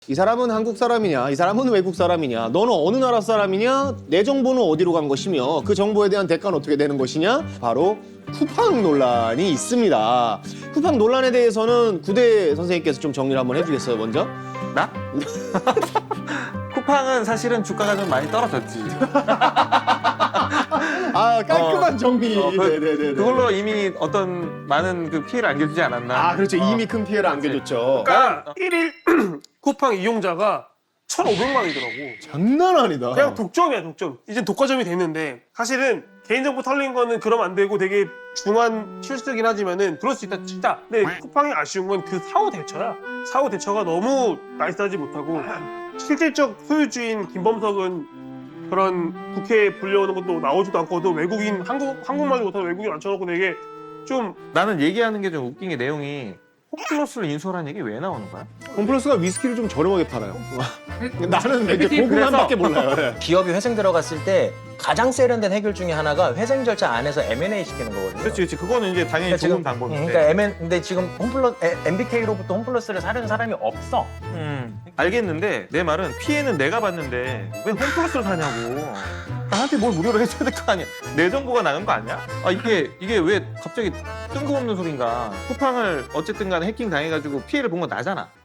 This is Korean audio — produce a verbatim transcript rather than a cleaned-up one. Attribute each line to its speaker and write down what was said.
Speaker 1: 이 사람은 한국 사람이냐, 이 사람은 외국 사람이냐, 너는 어느 나라 사람이냐, 내 정보는 어디로 간 것이며 그 정보에 대한 대가는 어떻게 되는 것이냐? 바로 쿠팡 논란이 있습니다. 쿠팡 논란에 대해서는 구대 선생님께서 좀 정리를 한번 해주겠어요, 먼저?
Speaker 2: 나? 쿠팡은 사실은 주가가 좀 많이 떨어졌지.
Speaker 1: 아, 깔끔한
Speaker 2: 어,
Speaker 1: 정리.
Speaker 2: 어, 그,
Speaker 1: 네네네.
Speaker 2: 그걸로 이미 어떤 많은 그 피해를 안겨주지 않았나.
Speaker 1: 아, 그렇죠.
Speaker 2: 어.
Speaker 1: 이미 큰 피해를 안겨줬죠.
Speaker 3: 그러니까 일일 쿠팡 이용자가 천오백만이더라고.
Speaker 1: 장난 아니다.
Speaker 3: 그냥 독점이야, 독점. 이제 독과점이 됐는데 사실은 개인정보 털린 거는 그러면 안 되고 되게 중한 실수긴 하지만은 그럴 수 있다 치자. 근데 쿠팡이 아쉬운 건 그 사후 대처야. 사후 대처가 너무 나이스하지 못하고 실질적 소유주인 김범석은 그런 국회에 불려오는 것도 나오지도 않고 또 외국인 한국 한국말도 못하는 외국인 앉혀놓고 되게 좀
Speaker 2: 나는 얘기하는 게 좀 웃긴 게 내용이 홈플러스를 인수하라는 얘기 왜 나오는 거야?
Speaker 1: 홈플러스가 위스키를 좀 저렴하게 팔아요. 나는 이제
Speaker 2: 그래서-
Speaker 1: 고구마밖에 몰라요. 네.
Speaker 4: 기업이 회생 들어갔을 때 가장 세련된 해결 중에 하나가 회생 절차 안에서 엠 앤 에이 시키는 거거든요.
Speaker 2: 그렇지, 그렇지. 그거는 이제 당연히
Speaker 4: 그러니까
Speaker 2: 좋은
Speaker 4: 지금
Speaker 2: 방법인데.
Speaker 4: 그러니까 엠 앤 근데 지금 홈플러 엠비케이로부터 홈플러스를 사려는 사람이 없어.
Speaker 2: 음, 알겠는데 내 말은 피해는 내가 봤는데 왜 홈플러스를 사냐고. 나한테 뭘 무료로 해줘야 될 거 아니야. 내 정보가 나간 거 아니야? 아 이게 이게 왜 갑자기 뜬금없는 소린가. 쿠팡을 어쨌든 간에 해킹 당해가지고 피해를 본 건 나잖아.